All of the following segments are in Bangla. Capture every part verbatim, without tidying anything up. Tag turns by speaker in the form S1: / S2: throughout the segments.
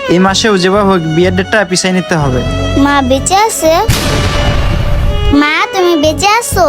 S1: এই মাসেও যেভাবে হোক বিয়ের ডেটটা পিছিয়ে নিতে হবে।
S2: মা বেঁচে আছে? মা তুমি বেঁচে আছো?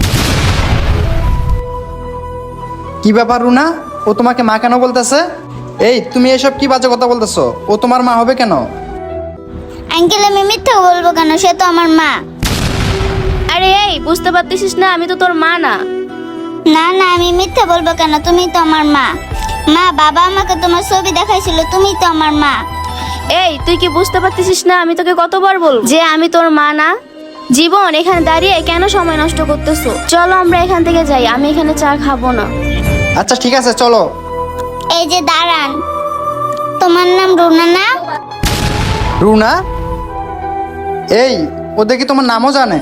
S1: কি ব্যাপার রুনা, ও তোমাকে মা কেন বলতেছে? এই তুমি এসব কি বাজে কথা বলতেছো? ও তোমার মা হবে কেন?
S2: আঙ্কেল আমি মিথ্যা বলবো কেন? সে তো আমার মা।
S3: আরে এই বুঝতে পারতেছিস না আমি তো তোর মা না।
S2: না না আমি মিথ্যা বলবো কেন? তুমি তো আমার মা। মা বাবা আমাকে তোমার ছবি দেখাইছিল, তুমি তো আমার মা।
S3: এই তুই কি বুঝতে পারতেছিস না আমি তোকে কতবার বলবো যে আমি তোর মা না? জীবন, এখানে দাঁড়িয়ে কেন সময় নষ্ট করতেছো? চলো আমরা এখান থেকে যাই, আমি এখানে চা খাবো না।
S1: আচ্ছা ঠিক আছে চলো।
S2: এই যে দাঁড়ান, তোমার নাম রুনা না?
S1: রুনা? এই ও দেখি তোমার নামও জানে।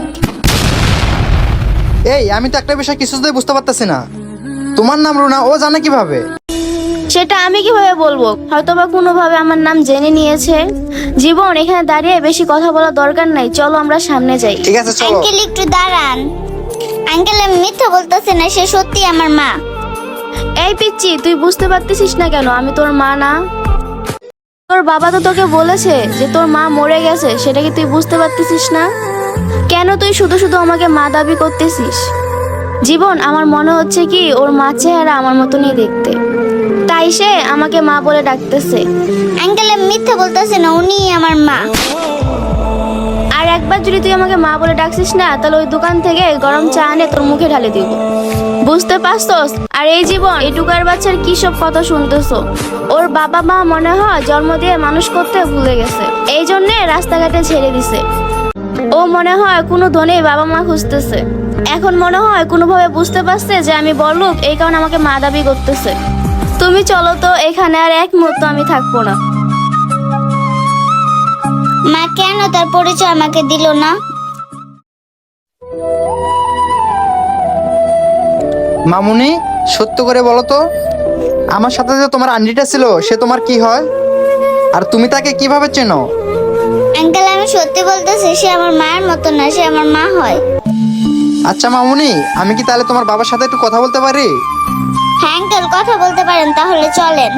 S1: এই আমি তো একটা বিষয় কিছুতেই বুঝতে পারতেছি না, তোমার নাম রুনা ও জানে কিভাবে?
S3: সেটা আমি কিভাবে বলবো? হয়তোবা কোনোভাবে আমার নাম জেনে নিয়েছে। জীবন, এখানে দাঁড়িয়ে বেশি কথা বলার দরকার নাই, চলো আমরা সামনে যাই।
S1: ঠিক আছে চলো।
S2: আঙ্কেল একটু দাঁড়ান। আঙ্কেল আমি মিথ্যা বলতেছি না, সে সত্যি আমার মা।
S3: এই পিচ্চি, তুই বুঝতে পারতেছিস না কেন আমি তোর মা না? তোর বাবা তো তোকে বলেছে যে তোর মা মরে গেছে, সেটা কি তুই বুঝতে পারতেছিস না? কেন তুই শুধু শুধু আমাকে মা দাবি করতেছিস? জীবন, আমার মনে হচ্ছে কি ওর মা চেহারা আমার মতনই দেখতে, তাই সে আমাকে মা বলে ডাকতেছে।
S2: আঙ্কেল আমি মিথ্যা বলতেছি না, উনি আমার মা।
S3: আর একবার যদি তুই আমাকে মা বলে ডাকছিস না, তাহলে ওই দোকান থেকে গরম চা এনে তোর মুখে ঢালে দিব, বুঝতে পারছস? আর এই জীবন, এই টুকার বাচ্চার কি সব কথা শুনতেছো? ওর বাবা মা মনে হয় জন্ম দিয়ে মানুষ করতে ভুলে গেছে, এই জন্যে রাস্তাঘাটে ছেড়ে দিছে। ও মনে হয় কোনো ধনী বাবা মা খুঁজতেছে। এখন মনে হয় কোনোভাবে বুঝতে পারছে যে আমি বড়লোক, এই কারণে আমাকে মা দাবি করতেছে। তুমি চলো তো, এখানে আর এক মুহূর্ত আমি থাকবো না।
S2: মা কেন তার পরিচয় আমাকে দিল না?
S1: মামুনি, সত্য করে বলো তো, আমার সাথে যে তোমার আন্টিটা ছিল সে তোমার কি হয়? আর তুমি তাকে কিভাবে চেনো?
S2: আঙ্কেল আমি সত্যি বলতেছি, সে আমার মায়ের মতো না, সে আমার মা হয়।
S1: আচ্ছা মামুনি, আমি কি তাহলে তোমার বাবার সাথে একটু কথা বলতে পারি?
S2: হ্যাঁ আঙ্কেল কথা বলতে পারেন, তাহলে চলেন।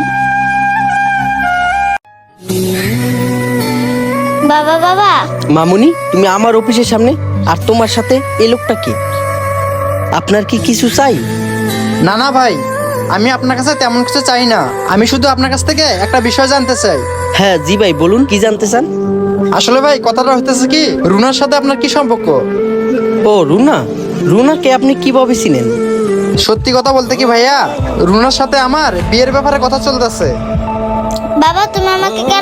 S2: বাবা বাবা।
S4: মামুনি, তুমি আমার অফিসের সামনে, আর তোমার সাথে এই লোকটা কি? আপনার কি কিছু চাই?
S1: না না ভাই, আমি আপনার কাছে তেমন কিছু চাই না, আমি শুধু আপনার কাছ থেকে একটা বিষয় জানতে চাই।
S4: হ্যাঁ জি ভাই, বলুন কি জানতে চান?
S1: আসলে ভাই কথাটা হইতেছে কি, রুনার সাথে আপনার কি সম্পর্ক?
S4: ও রুনা, রুনাকে আপনি কিভাবে চিনেন?
S1: সত্যি কথা বলতে কি ভাইয়া, রুনার সাথে আমার বিয়ের ব্যাপারে কথা চলতেছে।
S2: বাবা তুমি আমাকে